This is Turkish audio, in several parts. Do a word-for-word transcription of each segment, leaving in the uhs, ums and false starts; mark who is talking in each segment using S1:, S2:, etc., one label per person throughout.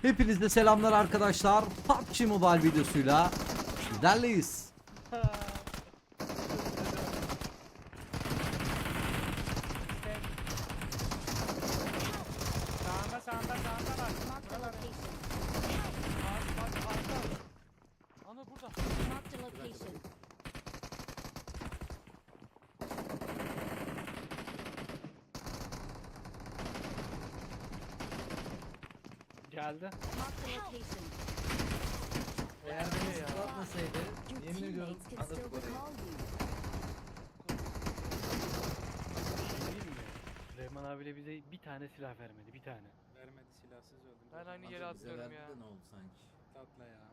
S1: Hepinize selamlar arkadaşlar. P U B G Mobile videosuyla sizlerleyiz.
S2: Sağında sağında sağında var.
S3: Marked a location.
S2: Bak bak arka. Ana burada.
S3: Marked a location.
S2: Geldi.
S3: Marked a location.
S1: Eğer beni zıplatmasaydı
S3: Your
S1: yemin ediyorum
S3: teammates can still
S1: alıp orayı.
S3: recall you.
S4: Değil mi? Süleyman abiyle bize bir tane silah vermedi, bir tane.
S2: Vermedi, silahsız öldüm.
S5: Ben aynı yere
S1: Bize
S5: atlıyorum
S1: verdi
S5: ya.
S1: de ne oldu sanki?
S2: Tatlı ya.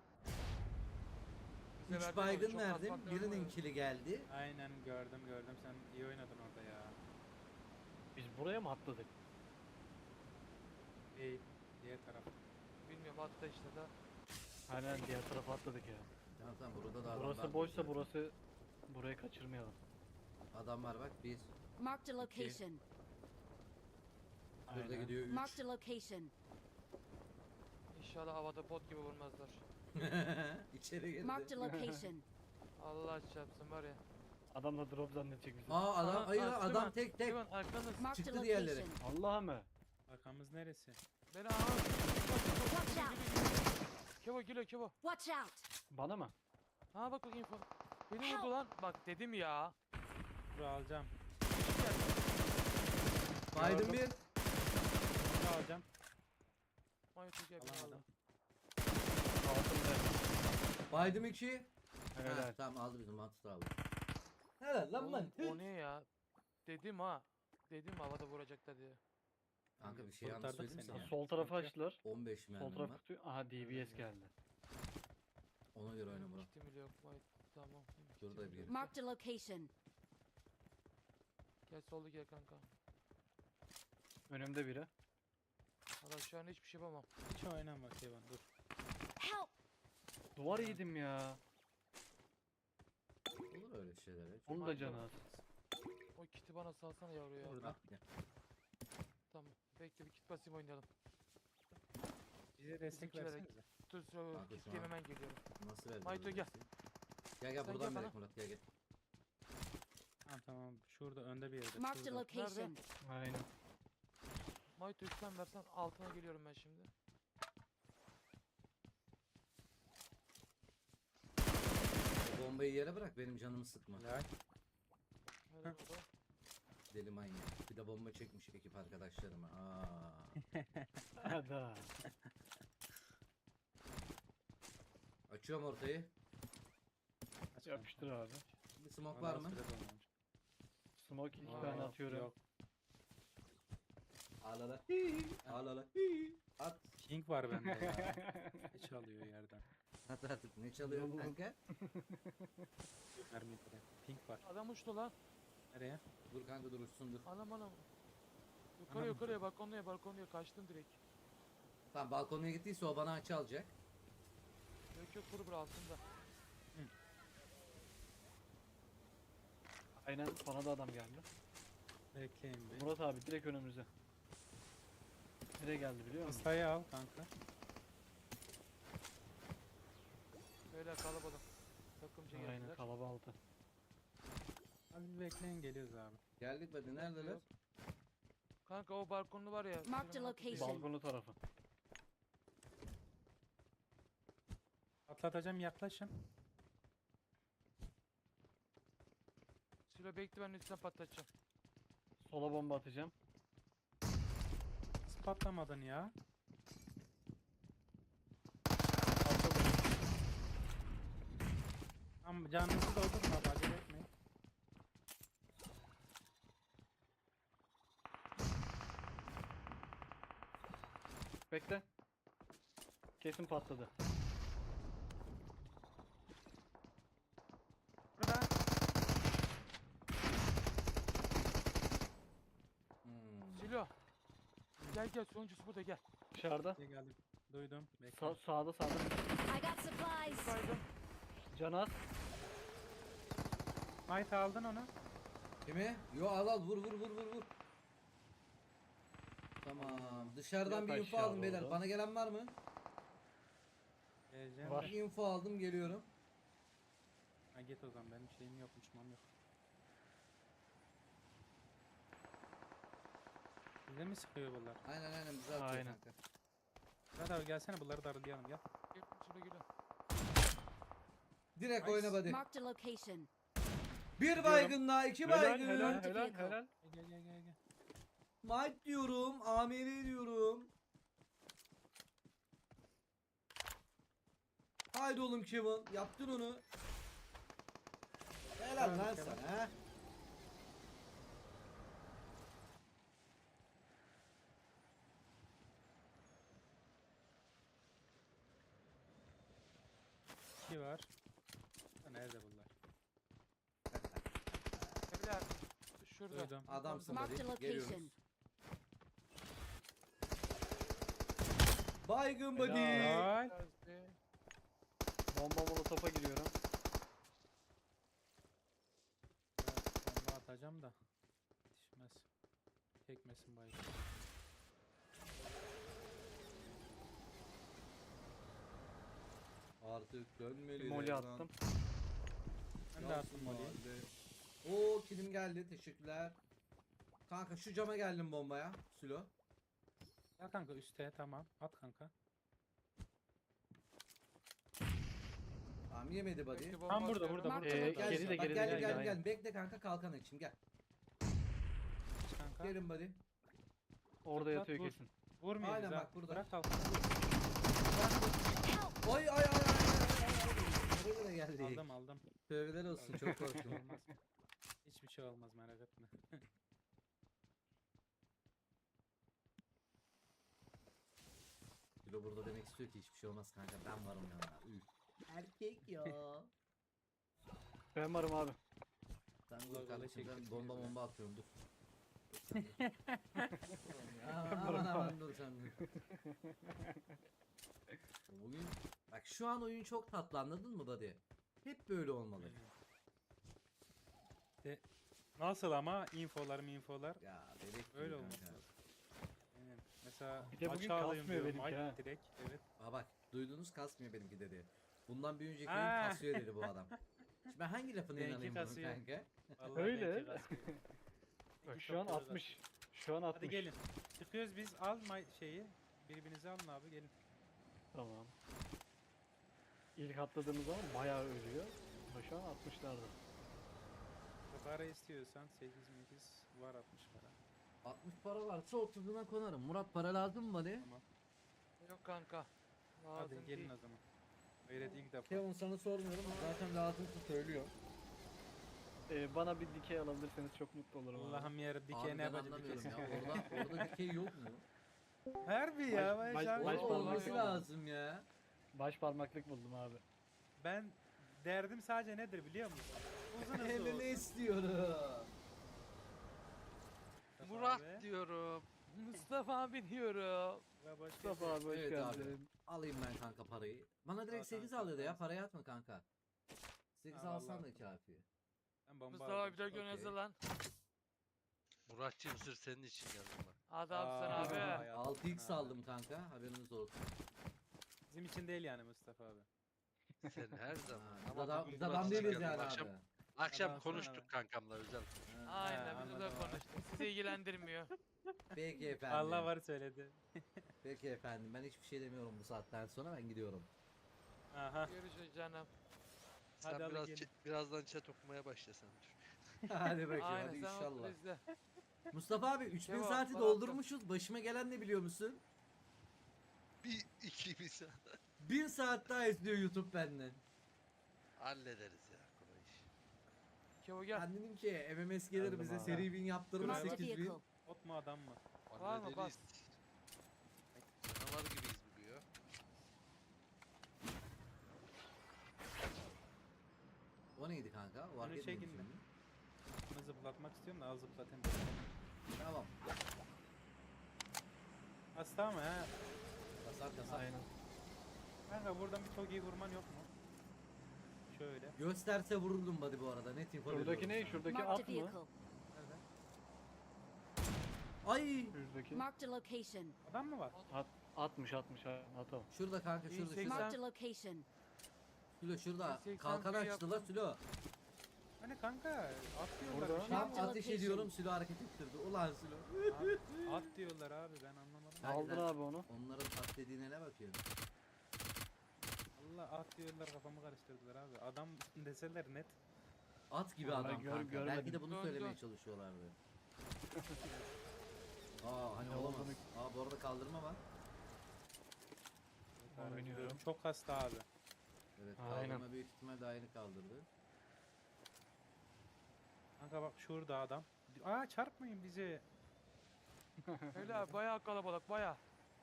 S5: Bize
S1: Üç
S5: verdi
S1: baygın
S5: ama çok
S1: verdim.
S5: atmakla
S1: Birinin
S5: olmuyor.
S1: kili geldi.
S2: Aynen gördüm gördüm, sen iyi oynadın orada ya.
S4: Biz buraya mı atladık?
S2: İyi, diğer taraf.
S5: Bilmiyorum atla işte da.
S4: Aynen diğer tarafa atladık ya.
S1: Tamam tamam burada da adam var.
S4: Burası boşsa burası burayı kaçırmayalım.
S1: Adam var bak bir.
S3: Marked a location.
S1: Burada
S2: Aynen.
S1: gidiyor üç.
S3: Marked a location.
S5: İnşallah havada bot gibi vurmazlar.
S1: İçeri
S3: Marked
S1: girdi.
S3: a location.
S5: Allah çarpsın var ya.
S4: Adam da drop zannedecek bizi.
S1: Aa adam
S5: Aha,
S1: hayır
S5: aa,
S1: adam
S5: Süleyman,
S1: tek tek.
S5: Süleyman arkanız.
S3: Marked a
S1: Çıktı diğerleri.
S3: location.
S4: Allah'a mı?
S2: Arkamız neresi?
S5: Beni aha.
S3: Watch out.
S5: Kevo geliyor Kevo.
S3: Watch out.
S4: Bana mı?
S5: Ha bak bak info. Beni vurdu lan. Bak dedim ya.
S2: Dur alacağım.
S1: Biden bir.
S2: Bunu alacağım.
S5: Mayot gel beni
S2: Alamadım.
S5: aldı.
S4: Altında.
S1: Biden iki.
S4: Helal.
S1: Ha, tamam aldı bizim mantığı aldı. Helal lan
S5: Oğlum,
S1: lan.
S5: o ne ya? Dedim ha. Dedim havada vuracaklar diye.
S1: Kanka bir şey yanlış
S2: Kurtardık
S1: söyleyeyim mi
S2: seni
S1: sana?
S2: ya.
S4: Sol tarafı açtılar.
S1: on beş
S4: Sol
S1: mermim
S4: taraf
S1: var.
S4: kutuyu. Aha D B S geldi.
S1: Ona göre oyna Murat.
S5: Kitim bile yok. Mayot. Tamam.
S1: Şurada
S5: Kitim
S1: bir
S5: yok.
S1: yeri.
S3: Marked a location.
S5: Gel solda gel kanka.
S4: Önümde biri.
S5: Valla şu an hiçbir şey yapamam.
S2: Hiç oynama Kevin, dur.
S3: Help.
S4: Duvar yedim ya.
S1: Olur öyle şeyler ya.
S4: Onun da canı az.
S5: O kiti bana salsana yavru ya.
S2: Burada.
S1: Gel.
S5: Tamam. Bekle bir kit basayım oynayalım.
S2: Bize destek
S5: Bizimkilere-
S2: versenize.
S5: Dur sonra
S1: Kanka
S5: kit
S1: şu an-
S5: hemen geliyorum.
S1: Nasıl verdi?
S5: Mayto
S1: böyle
S5: gel.
S1: bir şey? Gel gel
S5: Sen
S1: buradan
S5: gel
S1: verek
S5: bana.
S1: Murat gel gel.
S2: Tamam tamam, şurada önde bir yerde.
S3: Marked a
S2: şurada.
S3: location.
S4: Aynen.
S5: Mayto üstten versen altına geliyorum ben şimdi.
S1: O bombayı yere bırak benim canımı sıkma.
S2: Helal.
S5: Nerede baba?
S1: Deli manyak. Bir de bomba çekmiş ekip arkadaşlarıma. Aa.
S4: Hadi.
S1: Açıyorum ortayı.
S2: Aç
S4: Yapıştır abi.
S1: Bir smoke
S2: kanka.
S1: var mı?
S2: Bana süre dolmamış.
S4: Smoke iki
S5: Aa,
S4: tane
S2: Yok,
S4: atıyorum.
S2: Yok.
S1: Alala. Alala. At.
S2: King var bende ya. Ne çalıyor yerden?
S1: At artık. Ne çalıyor bu kanka?
S2: Mermi bile. Pink var.
S5: Adam uçtu lan.
S2: Nereye?
S1: Dur kanka dur uçsun dur.
S5: Anam anam. Yukarı
S2: Anam.
S5: yukarıya balkonluya balkonluya kaçtım direkt.
S1: Tamam balkonuna gittiyse o bana açı alacak.
S5: Yok yok kuru bura altında.
S4: Aynen bana da adam geldi.
S2: Bekleyin bir.
S4: Murat abi direkt önümüze. Nereye geldi biliyor musun?
S2: Sayı al kanka.
S5: Böyle kalabalık. Takımcı
S4: Aynen
S5: geldiler.
S4: kalaba altı.
S2: Abi bekleyin, geliyoruz abi.
S1: Geldik hadi neredeler?
S5: Yok. Kanka o balkonlu var ya.
S3: Marked
S5: Süleyman
S3: a
S5: Atlı diye.
S3: location.
S4: Balkonu tarafı.
S2: Atlatacağım, yaklaşın.
S5: Sülo bekle ben üstten patlatacağım.
S4: Sola bomba atacağım.
S2: Nasıl patlamadın ya? Tamam, canınızı doldurma abi, acele etmeyin.
S4: Bekle. Kesin patladı.
S2: Burada.
S1: Hmm.
S5: Sülo. Gel gel sonuncusu burada gel.
S4: Dışarıda.
S2: Şey geldim. Duydum. Bekle.
S4: Sa sağda sağda.
S3: I got supplies.
S5: Saydım.
S4: Canı az.
S2: Might aldın onu.
S1: Kimi? Yo al al vur vur vur vur vur. Tamam. Dışarıdan
S4: Yok
S1: bir info
S4: aşağı
S1: aldım beyler.
S4: doğru.
S1: Bana gelen var mı?
S2: Geleceğim
S4: Var.
S2: de.
S1: Bir info aldım, geliyorum.
S2: Ha git o zaman, benim şeyim yok, uçmam yok. Bize mi sıkıyor bunlar?
S1: Aynen aynen bize atıyor
S4: Aynen.
S1: kanka.
S2: Murat abi gelsene, bunları darlayalım gel.
S5: Gel şuraya gel.
S1: Direkt
S2: Nice.
S1: oyna buddy.
S3: Marked a location.
S1: Bir baygınla iki
S4: Helal
S1: baygın.
S4: helal
S3: Marked
S4: helal
S3: vehicle.
S4: helal.
S2: Gel gel gel gel.
S1: Might diyorum. A M R diyorum. Haydi oğlum Kevin. Yaptın onu. Helal
S2: Bravo
S1: lan
S2: Kevin.
S1: sana.
S2: İki var. Ha, nerede bunlar?
S5: Beyler şurada.
S2: Duydum.
S1: Adamsın
S3: Marked a
S1: buddy. Geliyoruz.
S3: location.
S1: Baygın buddy.
S2: Helal.
S5: Geldi.
S4: Bomba molotofa giriyorum.
S2: Biraz bomba atacağım da. Yetişmez. Çekmesin baygın.
S1: Artık dönmeli.
S4: Bir molly
S1: devran.
S4: attım.
S2: Ben de attım molly'yi.
S1: Oo kilim geldi. Teşekkürler. Kanka şu cama geldim bombaya. Sülo.
S2: Ya kanka üste, tamam. At kanka.
S1: Tamam yemedi buddy.
S5: Belki bomba
S2: Tam burada,
S5: atıyorum.
S2: burada,
S3: Marked
S2: burada.
S3: a
S4: Ee,
S2: burada.
S3: location.
S4: geri de
S1: Bak
S4: geri de
S1: gel
S4: geri de.
S1: gel
S4: aynen.
S1: gel. Bekle kanka kalkan için gel.
S2: Kanka.
S1: Gelin buddy.
S4: Orada
S2: Tıklat,
S4: yatıyor
S2: vur.
S4: kesin.
S2: Vurmayın
S1: Aynen
S2: bizi
S1: bak
S2: ha.
S1: burada.
S2: Bırak kalk.
S3: Help!
S1: Oy ay ay ay ay ay ay. Nereye de geldik?
S2: Aldım aldım.
S1: Tövbeler olsun çok korktum.
S2: Olmaz. Hiçbir şey olmaz, merak etme.
S1: Sülo burada demek istiyor ki hiçbir şey olmaz kanka ben varım yanına. Üf. Erkek ya.
S4: Ben varım abi.
S1: Sen
S2: Allah
S1: dur
S2: Allah,
S1: kardeşim ben
S2: çektik
S1: bomba
S2: biz de.
S1: bomba atıyorum dur. Dur sen dur. aman aman aman dur sen dur. Bugün bak şu an oyun çok tatlı anladın mı buddy? Hep böyle olmalı.
S2: De, nasıl ama infolar infolar.
S1: Ya bebek gibi
S2: Öyle
S1: kanka.
S2: olması lazım. Aynen. Mesela
S4: Bir de bugün
S2: maça alayım
S4: kasmıyor
S2: diyorum,
S4: benimki
S2: ay
S4: ha.
S2: direkt. Evet.
S1: Aa bak duydunuz kasmıyor benimki dedi. Bundan bir önceki
S2: Aa.
S1: oyun kasıyor dedi bu adam. Şimdi ben hangi lafına
S2: Benimki
S1: inanayım bunun
S2: kasıyor.
S1: kanka?
S2: Vallahi
S4: Öyle.
S2: belki kasıyor.
S4: Bak
S2: İki
S4: şu an
S2: çok doğru
S4: altmış. Şu an altmış.
S2: Hadi gelin. Çıkıyoruz biz, al may- şeyi. Birbirinizi alın abi, gelin.
S4: Tamam. İlk atladığımız zaman bayağı ölüyor. Ama şu an altmışlarda.
S2: Para istiyorsan sekiz sekiz var, altmış para.
S1: altmış para varsa otuzuna konarım. Murat para lazım mı buddy?
S2: Tamam.
S5: Yok kanka.
S2: Hadi
S5: Lazım
S2: gelin
S5: değil.
S2: o zaman. Gayret ilk defa.
S1: Kevin sana sormuyorum zaten lazımsa söylüyor.
S4: Ee, bana bir dikey alabilirseniz çok mutlu olurum abi.
S2: Allah'ım yer
S1: Abi
S2: dikey ne
S1: ben
S2: yapacak
S1: anlamıyorum
S2: dikey.
S1: ya. Orada, orada dikey yok mu?
S2: Harbi
S4: Baş-
S2: ya,
S4: baş-
S2: baş,
S4: baş
S1: Orada
S4: parmak
S1: olması
S4: yok.
S1: lazım ya.
S4: Baş parmaklık buldum abi.
S2: Ben derdim sadece nedir biliyor musun? Uzun hızlı
S1: M M
S2: olsun.
S1: istiyorum.
S5: Murat
S2: Abi.
S5: diyorum. Mustafa abi diyorum.
S2: Ve başka
S4: Mustafa abi hoş
S1: Evet
S4: geldin.
S1: Alayım ben kanka parayı. Bana direkt
S2: Al
S1: sekiz
S2: kanka,
S1: al dedi ya
S2: al.
S1: parayı atma kanka. sekiz
S2: Ha,
S1: alsan
S2: vallahi.
S1: da kafi.
S2: Ben bomba
S5: Mustafa
S2: aldım.
S5: abi bir de
S1: okey.
S5: gönezdi lan.
S6: Muratçığım sırf senin için geldim bak.
S5: Adamsın
S2: Aa,
S5: abi.
S2: vay.
S1: altı x
S2: Ha.
S1: aldım kanka haberiniz olsun.
S2: Bizim için değil yani Mustafa abi.
S6: Sen her zaman.
S1: Ha,
S6: Ama
S1: biz adam,
S6: bugün
S1: biz adam
S6: Murat için
S1: değiliz
S6: geldim.
S1: yani
S6: Akşam,
S1: abi.
S6: akşam
S2: Adamsın
S6: konuştuk
S2: abi.
S6: kankamla özel.
S1: Ha,
S5: Aynen
S2: Ha,
S5: biz de
S2: anladım abi.
S5: konuştuk. Sizi ilgilendirmiyor.
S1: Peki efendim.
S2: Allah var söyledi.
S1: Peki efendim ben hiçbir şey demiyorum bu saatten sonra ben gidiyorum.
S2: Aha.
S5: Görüşürüz canım.
S6: Sen
S2: Hadi al
S6: biraz
S2: gelin.
S6: çe- birazdan chat okumaya başlasan dur.
S1: hadi bakayım
S5: Aynen
S1: hadi
S5: sen otur
S1: inşallah.
S5: izle.
S1: Mustafa abi üç bin
S5: Cevap,
S1: saati
S5: bana
S1: doldurmuşuz. Başıma gelen ne biliyor musun?
S6: Bir iki bir saat
S1: bin saat daha izliyor YouTube benden.
S6: hallederiz ya kolay iş.
S5: Kevo gel.
S1: Ben dedim ki M M S gelir
S4: Geldim
S1: bize
S4: abi.
S1: seri win yaptırır
S2: Marked a
S1: sekiz bin.
S3: vehicle.
S2: Ot mu adam mı?
S5: Var mı?
S6: Hallederiz. Canavar gibiyiz bugün ya.
S1: O neydi kanka? O
S2: Bunu
S1: hareket
S2: çekin
S1: neymiş
S2: mi?
S1: şimdi?
S2: Bunu zıplatmak istiyorum da al zıplatayım.
S1: Tamam.
S2: Hasta mı ha?
S1: Kasar kasar.
S4: Aynen.
S2: Kanka buradan bir çok iyi vurman yok mu? Şöyle.
S1: Gösterse vururdum buddy bu arada. Net info
S4: Şuradaki
S1: veriyorum
S4: ne?
S1: sana.
S4: Şuradaki
S3: Marked a
S4: at mı?
S3: vehicle.
S2: Nerede?
S1: Ay
S4: Yüzdeki.
S3: Marked a location.
S2: Adam mı var?
S4: At, atmış atmış ha, atalım.
S1: şurada kanka şurada
S5: seksen.
S1: şurada.
S3: Marked a location.
S1: Sülo şurada.
S5: seksen
S1: Kalkan
S5: bir
S1: açtılar
S5: yaptım.
S1: Sülo.
S2: Hani kanka at diyorlar.
S4: Burada.
S2: bir şey
S1: Tam
S3: Marked a
S1: ateş
S3: location.
S1: ediyorum Sülo hareket ettirdi. Ulan Sülo.
S2: At, at diyorlar abi ben anlamadım.
S1: Ben-
S4: Aldın
S1: ben-
S4: abi onu.
S1: Onların at dediğine ne bakıyorum?
S2: Allah at diyorlar kafamı karıştırdılar abi. Adam deseler net.
S1: At gibi
S4: Vallahi
S1: adam
S4: gör-
S1: kanka. Belki
S4: görmedim.
S1: de bunu
S5: Dön,
S1: söylemeye
S5: dön.
S1: çalışıyorlardı. Aa hani
S4: Ne
S1: olamaz.
S4: olduğunu-
S1: Aa bu arada kaldırma var.
S4: Oynuyorum.
S2: Çok hasta abi.
S1: Evet
S4: Aynen.
S1: kaldırma büyük ihtimal daha yeni kaldırdı.
S2: Kanka bak şurada adam. Aa çarpmayın bizi.
S5: Öyle abi bayağı kalabalık bayağı.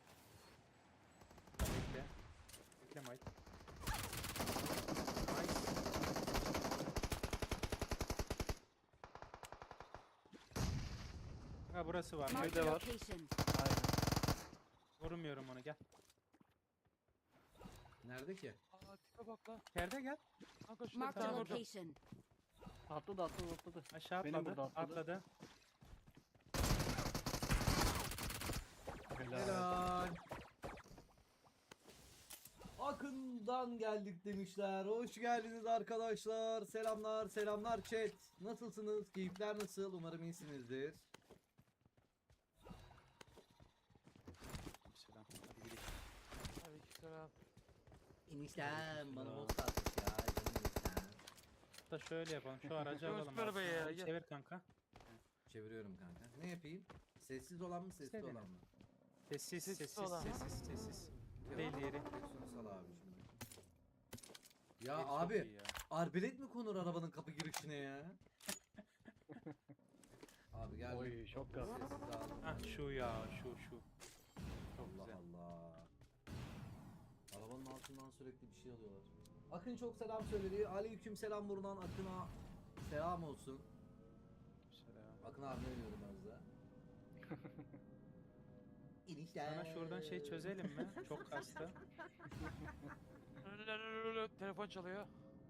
S2: Bekle. Bekle Mike. Nice. Ha burası var.
S3: Marked
S4: de
S3: a
S4: var.
S3: location.
S4: Aynen.
S2: Vurmuyorum onu gel.
S1: Nerede ki?
S5: Aa tipe bak lan.
S2: Yerde gel.
S5: Kanka şurada bir
S3: Marked a
S5: tane vurdum.
S3: location.
S4: Atladı atladı atladı.
S2: Aşağı
S4: Benim
S2: atladı.
S4: burada atladı.
S2: Atladı.
S4: Helal.
S1: Helal. Akın'dan geldik demişler. Hoş geldiniz arkadaşlar. Selamlar, selamlar chat. Nasılsınız? Keyifler nasıl? Umarım iyisinizdir.
S2: Selam. Hadi gidelim.
S5: Aleykümselam.
S1: İnişten bana boss atmış ya. Canım eniştem.
S2: Da şöyle yapalım. Şu aracı
S5: Göz
S2: alalım.
S5: ver
S2: abi.
S5: be ya,
S2: Hadi
S5: gel.
S2: Çevir kanka.
S1: Çeviriyorum kanka. Ne yapayım? Sessiz olan mı, sesli
S2: İstediğin.
S1: olan mı?
S2: Sessiz,
S5: Sessiz
S2: sessiz,
S5: olan.
S2: sessiz, sessiz.
S1: Yok,
S2: Değil yeri.
S1: direksiyonu sal abi şimdi. Ya
S2: Çok
S1: abi,
S2: iyi ya.
S1: arbelet mi konur arabanın kapı girişine ya? Abi gel.
S4: Oy çok gaz.
S1: Sessiz aldım.
S2: Ah şu ya, şu şu. Çok
S1: Allah
S2: güzel.
S1: Allah. Arabanın altından sürekli bir şey alıyorlar. Akın çok selam söyledi. Aleyküm selam buradan Akın'a selam olsun.
S2: Selam.
S1: Akın abi ne diyordum az da? İnişler.
S2: Sana şuradan şey çözelim mi? Çok hasta.
S5: Telefon çalıyor.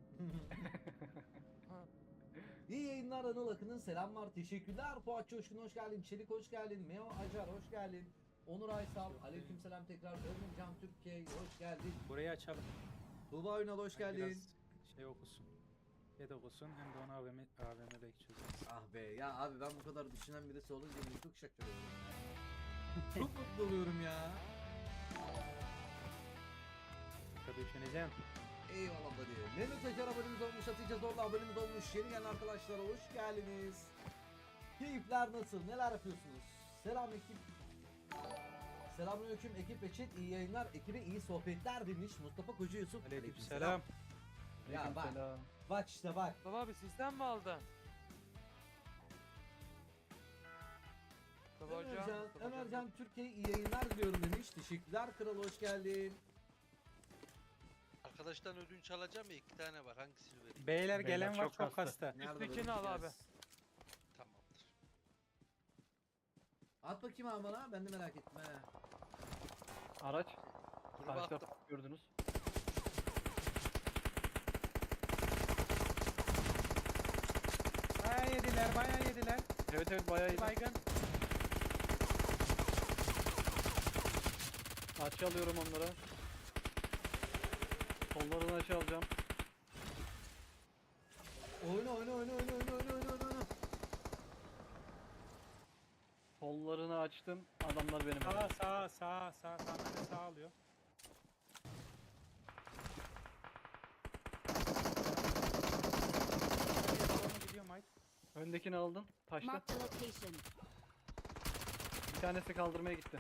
S5: Ha.
S1: İyi yayınlar Anıl Akın'ın selamlar teşekkürler. Fuat Coşkun hoş geldin. Çelik hoş geldin. Meo Acar hoş geldin. Onur Aysal aleyküm selam tekrar. Örnekcan Türkiye hoş geldin.
S2: Burayı açalım.
S1: Tuğba Ünal hoş
S2: Biraz
S1: geldin.
S2: şey okusun. Şey de okusun hem de ona A V M, A V M belki çözeriz.
S1: Ah be ya abi ben bu kadar düşünen birisi olunca beni çok şaşırıyorum. Çok mutlu oluyorum ya.
S2: Tabii düşüneceğim.
S1: Eyvallah buddy. Mehmet Acar abonemiz olmuş, Hatice Zorlu abonemiz olmuş. Yeni gelen arkadaşlar hoş geldiniz. Keyifler nasıl? Neler yapıyorsunuz? Selam ekip. Selamünaleyküm ekip ve chat. İyi yayınlar. Ekibe iyi sohbetler demiş Mustafa Koca Yusuf.
S2: Aleykümselam.
S1: Ya bak.
S4: Aleykümselam.
S1: Bak işte bak.
S5: Baba abi sizden mi aldın? Mustafa hocam.
S1: Ömercan,
S5: Mustafa hocam.
S1: Ömercan Türkiye iyi yayınlar diliyorum demiş. Teşekkürler kral hoş geldin.
S6: Arkadaştan ödünç alacağım ya iki tane var. Hangisini vereyim?
S2: Beyler
S4: Beyler
S2: gelen var
S4: çok
S2: çok
S4: hasta.
S2: hasta.
S1: Nerede
S5: Üsttekini
S1: böyle
S5: al abi.
S1: biraz?
S6: Tamamdır.
S1: At bakayım abi bana. Ben de merak ettim he.
S4: Araç.
S6: Gruba
S4: Karşıda
S6: attım.
S4: gördünüz.
S2: Bayağı yediler, bayağı yediler.
S4: Evet evet bayağı iyi.
S2: Baygın.
S4: Açı alıyorum onlara. Kollarını açı alacağım.
S1: Oyna oyna oyna oyna oyna oyna oyna oyna.
S4: Kollarını açtım. Adamlar benim.
S2: Sağ
S4: elimde.
S2: sağ sağ sağ sağ sağ, sağ alıyor. Gidiyor Mike.
S4: Öndekini aldın. Taşta.
S3: Marked a location.
S4: Bir tanesi kaldırmaya gitti.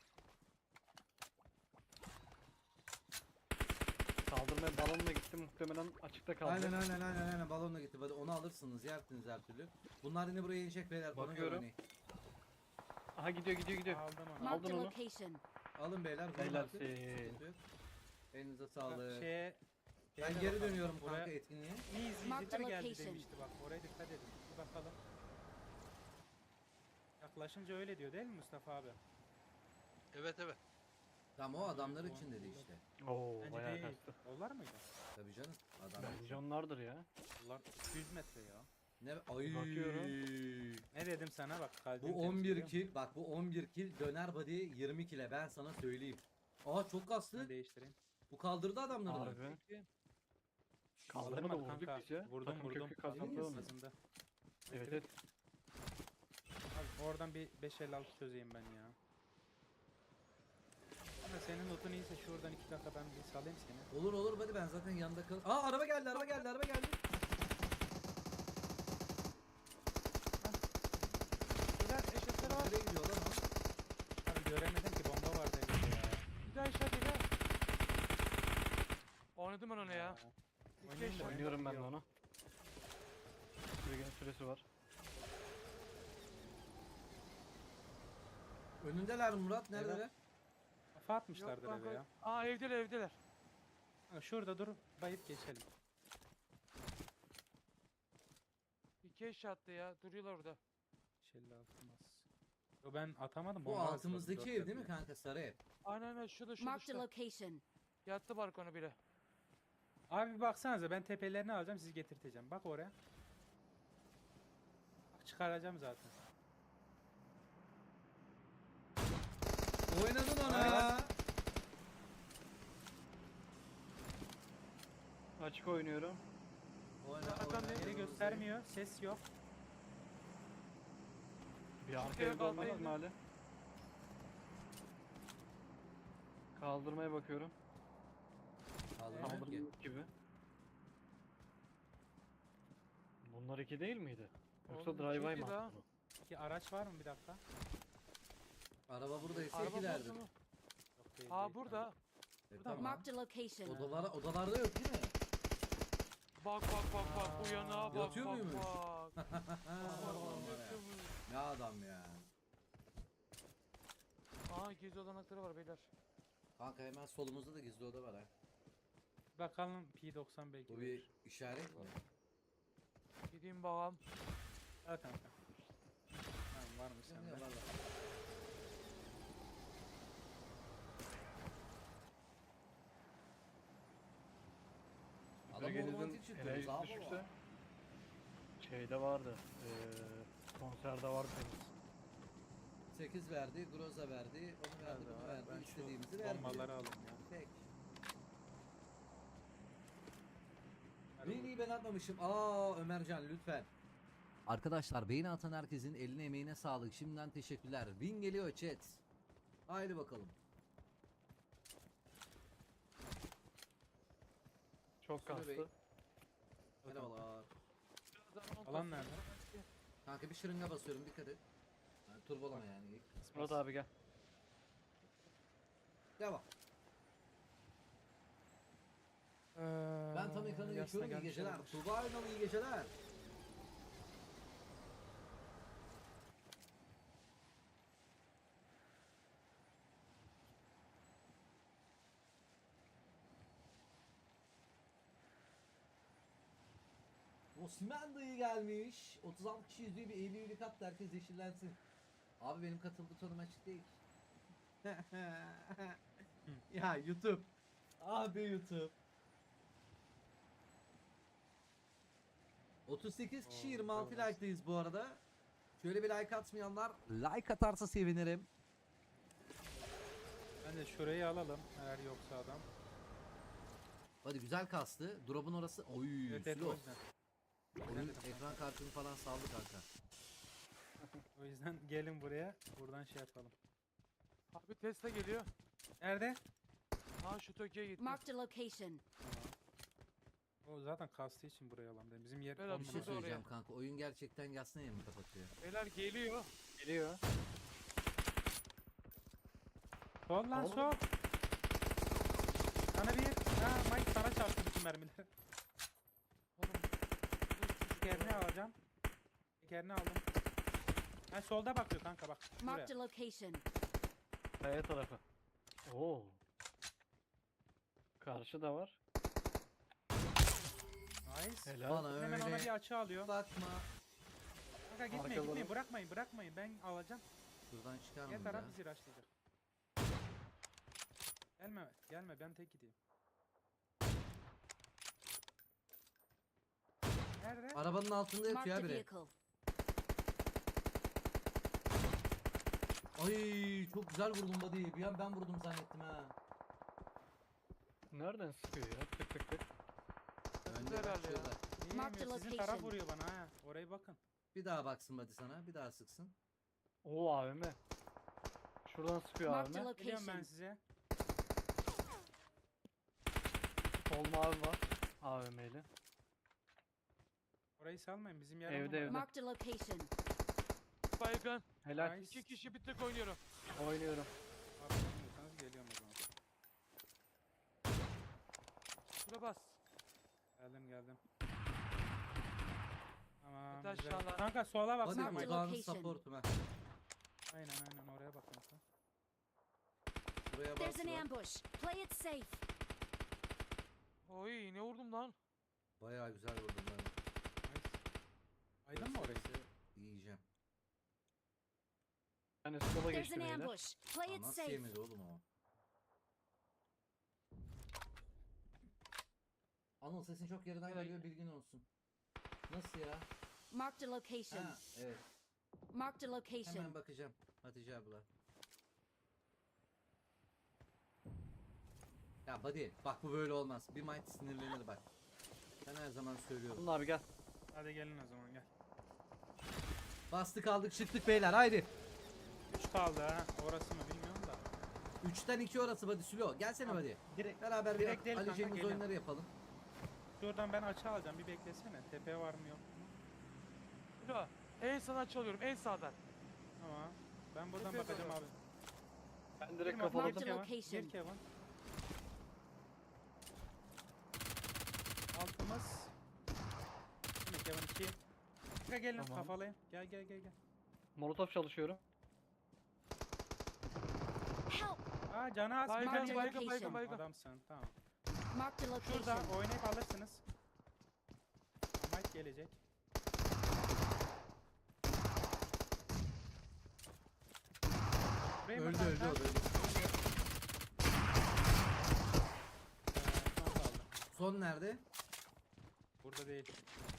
S4: Kaldırmaya balonla gitti muhtemelen açıkta kaldı.
S1: Aynen aynen aynen aynen balonla gitti. Hadi onu alırsınız yersiniz her türlü. Bunlar yine buraya inecek beyler. Ona göre
S4: Bakıyorum.
S1: oynayın.
S4: Aha gidiyor gidiyor gidiyor.
S2: Aldım onu.
S3: Marked
S4: Aldın
S3: a
S4: onu.
S3: location.
S1: Alın beyler. vurun
S4: Helal
S1: artık.
S4: olsun.
S1: Sıkıntı yok. Elinize sağlık.
S2: Şeye,
S1: Ben
S2: şeye de
S1: geri
S2: bakalım.
S1: dönüyorum
S2: Buraya-
S1: kanka etkinliğe.
S2: İyi
S3: Mark the
S2: izleyiciler geldi
S3: location.
S2: demişti bak oraya dikkat edin. Bir bakalım. Yaklaşınca öyle diyor değil mi Mustafa abi?
S6: Evet evet.
S1: Tam o adamlar için dedi işte.
S4: Oo
S2: Bence
S4: bayağı
S2: değil.
S4: kastı.
S2: Onlar mıydı?
S1: Tabii canım. Adamlar için.
S4: Milyonlardır ya.
S2: Onlar iki yüz metre ya.
S1: Ne ay.
S4: Bakıyorum.
S2: Ne dedim sana bak kalbim
S1: Bu on bir
S2: temizliyor.
S1: kill. Bak bu on bir kill döner body yirmi kill'e ben sana söyleyeyim. Aa çok
S2: Ben
S1: kaslı.
S2: değiştireyim.
S1: Bu kaldırdı adamları.
S4: Harbi. Kaldırmadı
S2: Kaldırmadı
S4: vurduk
S2: kanka.
S4: biz ya.
S2: Vurdum
S4: Takım
S2: vurdum.
S4: kökü
S2: Takım
S4: kazandı onu.
S2: kazandı.
S4: Evet evet.
S2: Abi oradan bir beş elli altı çözeyim ben ya. Ama senin notun iyiyse şuradan iki dakika ben bir salayım seni.
S1: Olur olur hadi ben zaten yanında kal. Aa araba geldi araba geldi araba geldi.
S5: Beyler eşekler var.
S1: Nereye gidiyor lan o?
S2: Abi göremedim ki bomba vardı elimde ya.
S5: Bir daha eşek beyler. Oynadım ben onu ya.
S2: Aa,
S5: İki
S2: oynayayım da
S5: eşek.
S4: Oynuyorum ben de
S2: Yok.
S4: onu. Süregen süresi var.
S1: Önündeler Murat neredeler?
S2: Kafa atmışlardır
S5: Yok
S2: eve
S5: kanka.
S2: ya.
S5: Aa evdeler evdeler.
S2: Ha, şurada dur bayıp geçelim.
S5: İki eşek attı ya. Duruyorlar orada.
S2: beş elli altı mas. Yo ben atamadım.
S1: Bu
S2: bomba
S1: altımızdaki
S2: hazırladım,
S1: ev değil mi
S2: dört
S1: kanka sarı ev?
S5: Aynen aynen şurada şurada
S3: Marked a
S5: şurada.
S3: location.
S5: Yattı balkona biri.
S2: Abi bir baksanıza ben tepelerini alacağım sizi getirteceğim. Bak oraya. Bak çıkaracağım zaten.
S1: Oynadın ona.
S4: Açık oynuyorum.
S1: Oyna
S5: Hakan
S1: oyna.
S5: Bey.
S2: Yeri göstermiyor. Ses yok.
S4: Bir arka
S5: Türkiye
S4: evde olmaz
S5: kalkayım.
S4: mı hali? Kaldırmaya bakıyorum.
S1: Kaldırma yok ki.
S4: Kaldırma gibi. Bunlar iki değil miydi? Yoksa
S5: Oğlum,
S4: drive-by
S5: iki
S4: mı
S5: daha.
S4: attı bu?
S2: Ki araç var mı bir dakika?
S1: Araba buradaysa
S5: Araba
S1: ikilerdir.
S5: burada mı?
S2: Yok değil.
S5: Aa
S2: değil.
S5: burada.
S1: E,
S2: Burada mı?
S1: tamam.
S3: Marked a location.
S1: Odalara, odalarda yok değil mi?
S5: Bak bak bak bak uyana bak
S1: Yatıyor
S5: bak
S1: muymuş?
S5: bak.
S1: Ha,
S5: Bak,
S1: ulan var ya.
S5: yatıyor mu?
S1: Ne adam ya.
S5: Aa gizli olanakları var beyler.
S1: Kanka hemen solumuzda da gizli oda var ha.
S2: Bakalım P doksan belki.
S1: Bu
S2: verir.
S1: bir işaret mi?
S5: Gideyim bakalım.
S2: Al kanka. Tamam varmış
S1: Ya,
S2: sende.
S1: ya, var, var. Adam
S4: Süregenizin
S1: romantik çıktı.
S4: enerjisi
S1: Zaha
S4: düşükse
S1: baba.
S4: şeyde vardı. Eee konserde vardı temiz.
S1: sekiz verdi, Groza verdi, onu verdi, bunu verdi.
S2: Ben
S1: İstediğimizi
S2: şu
S1: verdi.
S2: bombaları alayım ya.
S1: Pek.
S2: Hadi
S1: Neyi iyi ben atmamışım. Aa Ömercan lütfen. Arkadaşlar beğeni atan herkesin eline emeğine sağlık. Şimdiden teşekkürler. Win geliyor chat. Haydi bakalım.
S4: Çok
S1: Sürü Bey.
S4: kastı.
S1: Merhabalar.
S2: Alan nerede?
S1: Kanka bir şırınga basıyorum dikkat et. Yani turbolama yani. ilk.
S4: Murat abi gel.
S1: Devam. Ben tam ekranı geçiyorum. İyi geceler. Tuğba Aynalı iyi geceler. Osman dayı gelmiş. otuz altı kişi izliyor bir elli üyelik at da herkes yeşillensin. Abi benim katıl butonum açık değil. Ya YouTube. Abi YouTube. otuz sekiz kişi
S2: Oo,
S1: yirmi altı
S2: güzel
S1: like'dayız bu arada. Şöyle bir like atmayanlar like atarsa sevinirim.
S2: Ben de şurayı alalım eğer yoksa adam.
S1: Hadi güzel kastı. Drop'un orası. Oy,
S2: Evet evet o
S1: slow.
S2: yüzden.
S1: Oyun
S2: Evet,
S1: ekran kartını falan saldı kanka.
S2: O yüzden gelin buraya. Buradan şey yapalım.
S5: Abi Tesla geliyor.
S2: Nerede?
S5: Aa şu Tokyo'ya gitti.
S3: Marked a location.
S2: O zaten kastığı için buraya alalım dedim. Bizim yer
S5: Berat,
S2: on
S1: Bir şey
S5: Şurada
S2: numara.
S1: söyleyeceğim
S5: oraya.
S1: kanka. Oyun gerçekten yasnaya mı kapatıyor?
S5: Beyler geliyor.
S4: Geliyor.
S2: Sol lan
S4: Oğlum.
S2: sol. Sana bir. Ha Mike sana çarptı bütün mermileri.
S5: Oğlum.
S2: Tekerini alacağım. Tekerini aldım. Ha solda bakıyor kanka bak.
S3: Marked
S2: Şuraya.
S3: a location.
S4: Kaya tarafı. Oo. Karşı da var.
S2: Nice.
S4: Helal.
S1: Bana
S2: Hemen ona
S1: öyle
S2: bir açı alıyor.
S1: bakma.
S2: Kanka gitmeyin
S4: Arkaları.
S2: gitmeyin bırakmayın bırakmayın ben alacağım.
S1: Buradan çıkar mı
S2: Diğer
S1: ya?
S2: taraf bizi raşlayacak. Gelme gelme ben tek gideyim. Nerede?
S1: Arabanın altında
S3: Marked
S1: yatıyor
S3: a
S1: ya biri.
S3: vehicle.
S1: Ay çok güzel vurdum buddy. Bir an ben vurdum zannettim ha.
S4: Nereden sıkıyor ya? Tık tık tık.
S1: Önde
S5: herhalde
S1: bak
S5: ya.
S1: şurada.
S2: İyi
S3: Mark
S2: mi?
S3: the
S2: Sizin taraf
S3: location.
S2: vuruyor bana ha. Oraya bakın.
S1: Bir daha baksın buddy sana. Bir daha sıksın.
S4: Oo A V M. Şuradan sıkıyor
S3: Marked a
S4: A V M.
S2: Geliyorum ben
S3: location.
S2: size.
S4: Sol mavi var. A V M'li.
S2: Orayı salmayın. Bizim yer
S4: Evde,
S2: olmadı.
S4: evde.
S3: Marked a location.
S5: Baygın.
S4: Helal.
S2: Nice.
S5: İki kişi bir tek oynuyorum.
S4: Oynuyorum.
S2: Abi bilmiyorsanız geliyorum o zaman.
S5: Şuna bas.
S2: Geldim geldim. Tamam.
S5: Yeter
S2: güzel.
S5: aşağılar.
S2: Kanka sola baksana
S1: Buddy
S3: Marked
S2: Mike.
S1: odağını
S3: location.
S1: supportum ha.
S2: Aynen aynen oraya bak kanka.
S1: Buraya
S3: There's an
S1: bak.
S3: ambush. Play it safe.
S5: Oy ne vurdum lan?
S1: Bayağı güzel vurdum ben.
S2: Nice. Aydın mı orayı?
S1: Yiyeceğim.
S4: Yani sola
S3: There's
S4: geçti
S3: an
S4: beyler.
S3: ambush. Play
S1: Aa,
S3: it
S1: nasıl
S3: safe.
S1: yemedi oğlum o? Anıl sesin çok yerden
S5: Nereye
S1: geliyor bilgin olsun. Nasıl ya?
S3: Marked a location.
S1: Ha evet.
S3: Marked a location.
S1: Hemen bakacağım Hatice abla. Ya buddy bak bu böyle olmaz. Bir might sinirlenir bak. Ben her zaman söylüyorum.
S4: Bunun abi gel.
S2: Hadi gelin o zaman gel.
S1: Bastık aldık çıktık beyler haydi.
S2: üç kaldı ha. Orası mı bilmiyorum da.
S1: üçten iki orası buddy Sülo. Gelsene
S2: Tamam.
S1: buddy.
S2: Direkt
S1: Beraber
S2: Direkt
S1: bir
S2: değil
S1: Ali
S2: kanka,
S1: Cengiz
S2: gelin.
S1: oyunları yapalım.
S2: şuradan ben açı alacağım. Bir beklesene. Tepe var mı yok mu?
S5: Şuna. En sağdan çalıyorum. En sağdan.
S2: Tamam. Ben buradan
S5: Tepeye
S2: bakacağım
S5: doğru.
S2: abi.
S4: Ben direkt
S2: Gir
S4: kafaladım.
S2: Gir Kevin.
S3: Location.
S2: Gir Kevin. Altımız. Yine Kevin iki. Kanka gelin
S4: Tamam.
S2: kafalayın. Gel gel gel gel.
S4: Molotof çalışıyorum.
S3: Help.
S2: Aa canı az. bir
S5: Baygın
S2: tane
S5: baygın
S3: location.
S5: baygın baygın.
S2: Adamsın tamam.
S3: Marked a
S2: Şurada
S3: location.
S2: oynayıp alırsınız. Mike gelecek. Buraya mı
S1: Öldü
S2: kanka?
S1: öldü o da öldü.
S2: Ee, son kaldı.
S1: Son nerede?
S2: Burada değil.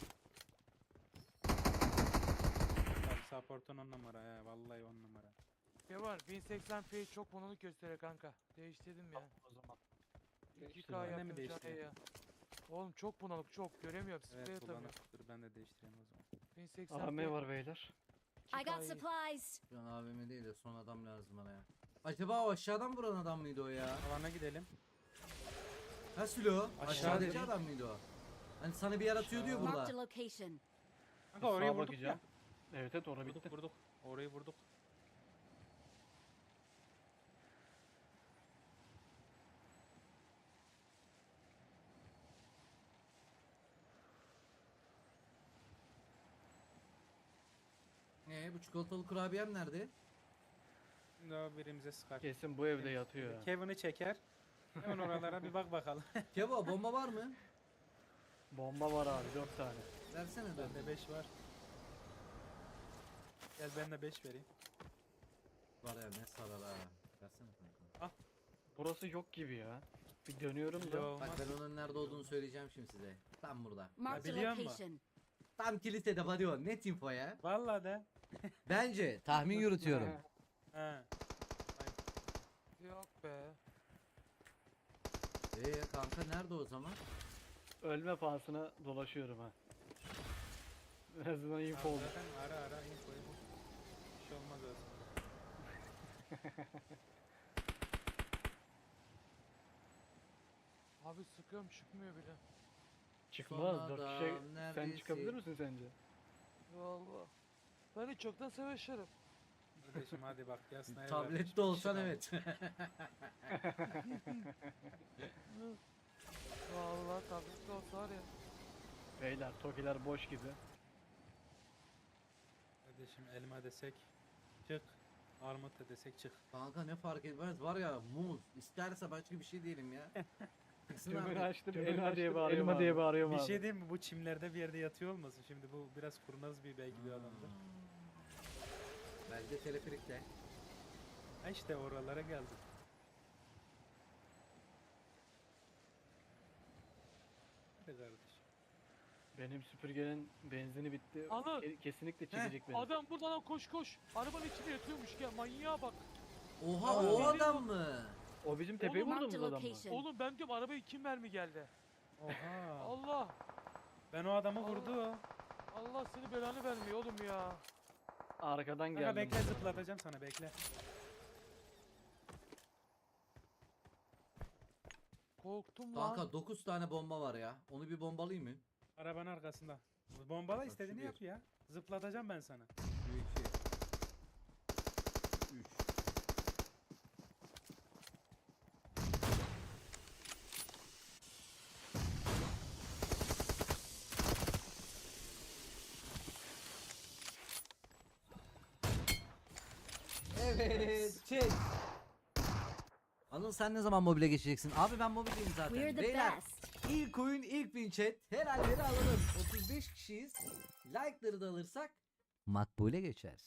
S2: Tabii support'un on numara ya. Vallahi on numara.
S5: Ne var? bin seksen p çok monolik gösteriyor kanka. Değiştirdim ya.
S4: O zaman.
S5: iki
S4: İşte
S5: K
S2: ben de mi
S5: yaptım
S2: değiştireyim?
S5: ya. Oğlum çok bunalık çok. Göremiyorum. Sprey
S2: Evet
S5: atamıyorum.
S2: bulanık. Dur ben de değiştireyim o zaman.
S5: bin seksen
S4: A V M var beyler.
S3: I got supplies.
S1: Şu an A V M değil de son adam lazım bana ya. Acaba o aşağıdan vuran adam mıydı o ya?
S2: Alana gidelim.
S1: Ha Sülo?
S2: Aşağı
S1: Aşağıdaki
S2: dedim.
S1: adam mıydı o? Hani sana bir yer atıyor diyor
S3: Marked
S1: burada.
S3: a location.
S2: Kanka oraya
S4: Sağa
S2: vurduk
S4: bakacağım.
S2: ya.
S4: Evet evet orada
S2: Vurduk
S4: bitti.
S2: vurduk. Orayı vurduk.
S1: Ee bu çikolatalı kurabiyem nerede?
S2: Şimdi o birimize sıkar.
S4: Kesin bu evde yatıyor ya.
S2: Kevin'i çeker. Hemen oralara bir bak bakalım.
S1: Kevo bomba var mı?
S4: Bomba var abi dört tane.
S1: Versene dön.
S2: Bende beş var. Gel ben de beş vereyim.
S1: Var ya ne sarar ha. Versene kanka.
S4: Burası yok gibi ya. Bir dönüyorum da.
S2: Yo,
S1: Bak
S2: olmaz.
S1: ben onun nerede olduğunu söyleyeceğim şimdi size. Tam burada.
S3: Marked a
S2: biliyor musun?
S3: location.
S1: Tam kilisede buddy o. Net info ya.
S2: Vallahi de.
S1: Bence tahmin yürütüyorum.
S2: He.
S5: Yok be.
S1: Eee kanka nerede o zaman?
S4: Ölme pahasına dolaşıyorum ha. En azından info
S2: Abi
S4: olur.
S2: zaten ara ara infoyu. Bir şey olmaz öyle.
S5: Abi sıkıyorum çıkmıyor bile.
S4: Çıkmaz.
S1: Son
S4: Dört
S1: adam,
S4: kişi. Sen
S1: neredesin?
S4: çıkabilir misin sence?
S5: Valla. Ben hiç çoktan savaşırım.
S2: Kardeşim hadi bak ya sniper.
S1: Tablette olsan evet.
S5: Valla tablette olsa var ya.
S4: Beyler tokiler boş gibi.
S2: Kardeşim elma desek çık. Armut da desek çık.
S1: Kanka ne fark etmez var ya muz. İsterse başka bir şey diyelim ya. Çıksın
S4: Tümünü
S1: abi.
S4: açtım
S2: Tümünü
S4: elma diye
S2: açtım,
S4: bağırıyorum
S2: elma
S4: abi.
S2: diye
S4: bağırıyorum
S2: Bir
S4: abi.
S2: şey diyeyim mi? Bu çimlerde bir yerde yatıyor olmasın? Şimdi bu biraz kurnaz bir belki bir adamdır.
S1: Belki de teleferikle.
S2: Ha işte oralara geldik. Hadi kardeşim.
S4: Benim süpürgenin benzini bitti.
S5: Anıl.
S4: Ke- Kesinlikle çekecek beni.
S5: Adam buradan lan koş koş. Arabanın içinde yatıyormuş ya, manyağa bak.
S1: Oha
S5: Aa,
S1: o
S5: geliyor
S1: adam
S5: bak.
S1: mı?
S4: O bizim tepeye
S5: Oğlum,
S3: Marked a
S4: vurduğumuz adam mı?
S3: location.
S5: Oğlum ben diyorum arabaya kim mermi geldi?
S2: Oha.
S5: Allah.
S2: Ben o adamı
S5: Allah.
S2: vurdu.
S5: Allah seni belanı vermiyor oğlum ya.
S4: Arkadan
S2: Kanka
S4: geldim.
S2: bekle zıplatacağım sana bekle.
S5: Korktum lan.
S1: Kanka dokuz tane bomba var ya. Onu bir bombalayayım mı?
S2: Arabanın arkasında. Bombala
S1: Bak,
S2: istediğini
S1: şu bir.
S2: yap ya. Zıplatacağım ben sana.
S1: iki. üç. Evet, çek. Anıl sen ne zaman mobile geçeceksin? Abi ben mobildeyim
S3: We're
S1: zaten.
S3: the
S1: Beyler,
S3: best.
S1: ilk oyun, ilk win chat. Herhalleri alalım. otuz beş kişiyiz. Like'ları da alırsak makbule geçer.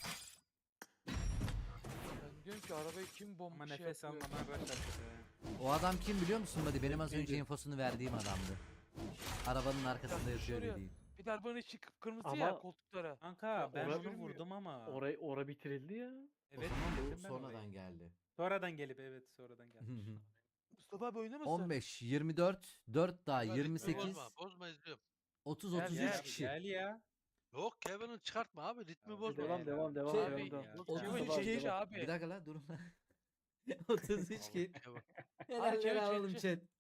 S5: Ben diyorum ki arabayı kim bomba
S2: Ama
S5: şey
S2: nefes
S5: yapıyor?
S2: almamaya başladı.
S1: O adam kim biliyor musun Buddy? Benim az önce
S4: Neydi?
S1: infosunu verdiğim adamdı. Arabanın arkasında
S5: Ya,
S1: yatıyor
S5: şuraya-
S1: dediğim.
S5: Bir de arabanın içi kıpkırmızı
S4: Ama-
S5: ya koltuklara.
S2: Kanka ben
S4: ora-
S2: onu vurdum ama.
S4: Orayı ora bitirildi ya.
S2: Evet,
S1: o zaman
S2: bitirdim
S1: bu
S2: ben
S1: sonradan
S2: orayı.
S1: geldi.
S2: Sonradan gelip evet sonradan gelmiş.
S5: Mustafa abi oynamasın.
S1: on beş, yirmi dört, dört daha
S6: Hadi,
S1: yirmi sekiz,
S6: Bozma, bozma izliyorum.
S1: otuz,
S5: Gel,
S1: otuz
S5: gel,
S1: üç
S2: Gel,
S1: kişi.
S2: gel ya.
S6: Yok Kevin'i çıkartma abi ritmi
S2: Ya,
S6: bozma.
S4: Devam
S2: Gel
S4: devam
S2: abi.
S4: devam
S1: Şey,
S4: devam.
S5: Abi,
S4: devam.
S2: ya.
S1: otuz
S5: Kevin
S1: üç
S5: şey
S1: kişi.
S5: abi.
S1: Bir dakika la durun lan. otuz üç
S6: Oğlum,
S1: kişi.
S6: Kevin.
S1: Helalleri
S5: Kevin,
S1: alalım
S5: çek,
S1: chat.